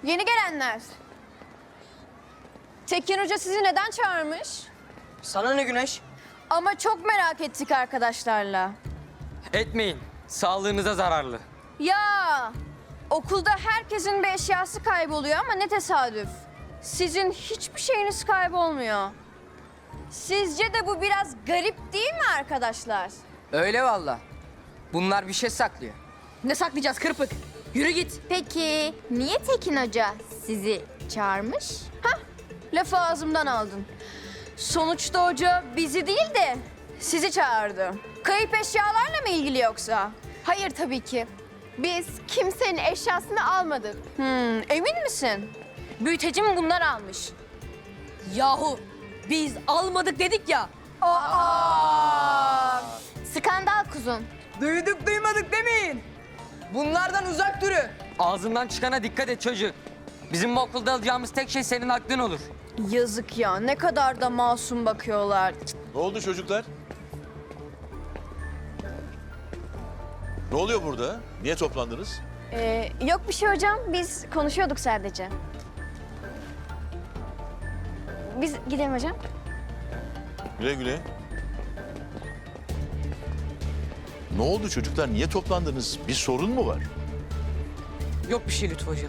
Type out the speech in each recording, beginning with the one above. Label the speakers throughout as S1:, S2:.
S1: Yeni gelenler. Tekin Hoca sizi neden çağırmış?
S2: Sana ne Güneş?
S1: Ama çok merak ettik arkadaşlarla.
S3: Etmeyin. Sağlığınıza zararlı.
S1: Ya okulda herkesin bir eşyası kayboluyor ama ne tesadüf. Sizin hiçbir şeyiniz kaybolmuyor. Sizce de bu biraz garip değil mi arkadaşlar?
S2: Öyle valla. Bunlar bir şey saklıyor.
S4: Ne saklayacağız kırpık? Yürü git.
S5: Peki niye Tekin Hoca sizi çağırmış?
S1: Lafı ağzımdan aldın. Sonuçta hoca bizi değil de sizi çağırdı. Kayıp eşyalarla mı ilgili yoksa?
S5: Hayır tabii ki. Biz kimsenin eşyasını almadık.
S1: Emin misin?
S4: Büyütecim bunlar almış. Yahu biz almadık dedik ya.
S5: Skandal kuzum.
S2: Duyduk duymadık demeyin. Bunlardan uzak durun.
S3: Ağzından çıkana dikkat et çocuk. Bizim bu okulda alacağımız tek şey senin aklın olur.
S1: Yazık ya, ne kadar da masum bakıyorlar.
S6: Ne oldu çocuklar? Ne oluyor burada? Niye toplandınız?
S1: Yok bir şey hocam, biz konuşuyorduk sadece. Biz gidelim hocam.
S6: Güle güle. Ne oldu çocuklar? Niye toplandınız? Bir sorun mu var?
S2: Yok bir şey Lütfü Hocam.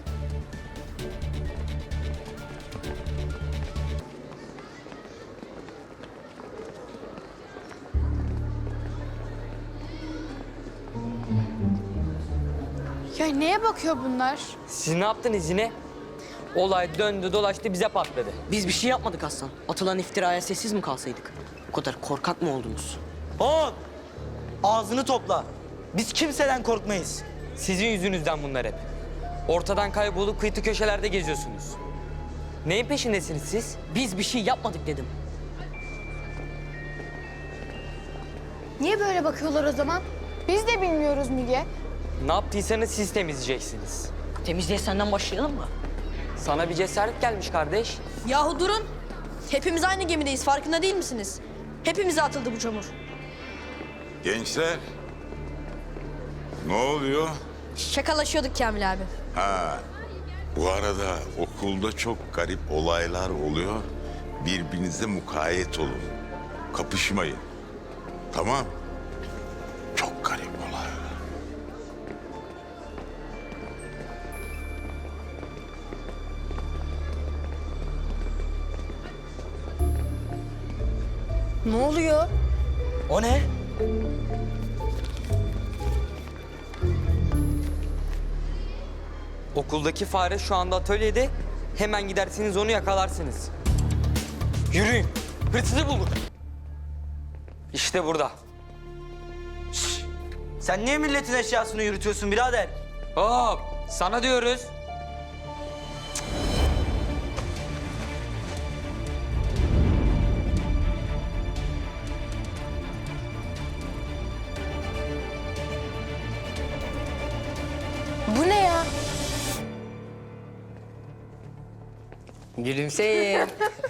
S5: Ya neye bakıyor bunlar?
S3: Siz ne yaptınız yine? Olay döndü dolaştı bize patladı.
S2: Biz bir şey yapmadık Aslan. Atılan iftiraya sessiz mi kalsaydık? O kadar korkak mı oldunuz?
S7: Oğlum, ağzını topla. Biz kimseden korkmayız.
S3: Sizin yüzünüzden bunlar hep. Ortadan kaybolup kıytı köşelerde geziyorsunuz. Neyin peşindesiniz siz?
S2: Biz bir şey yapmadık dedim.
S5: Niye böyle bakıyorlar o zaman? Biz de bilmiyoruz Müge.
S3: Ne yaptıysanız siz temizleyeceksiniz.
S2: Temizliğe senden başlayalım mı?
S3: Sana bir cesaret gelmiş kardeş.
S4: Yahu durun. Hepimiz aynı gemideyiz farkında değil misiniz? Hepimize atıldı bu çamur.
S8: Gençler, ne oluyor?
S4: Şakalaşıyorduk Kamil abi.
S8: Ha, bu arada okulda çok garip olaylar oluyor. Birbirinize mukayyet olun. Kapışmayın. Tamam? Çok garip olaylar.
S4: Ne oluyor?
S7: O ne?
S3: Okuldaki fare şu anda atölyede. Hemen gidersiniz onu yakalarsınız. Yürüyün. Hırsızı bulduk. İşte burada.
S7: Sen niye milletin eşyasını yürütüyorsun birader?
S3: Hop! Sana diyoruz.
S1: Bu ne ya?
S2: Gülümseyin.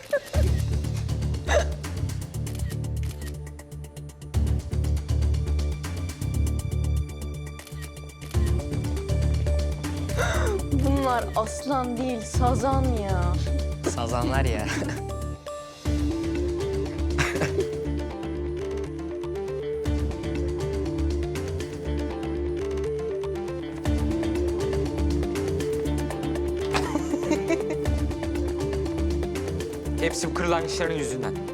S1: Bunlar aslan değil, sazan ya.
S2: Sazanlar ya.
S3: Hepsi bu kırlangıçların yüzünden.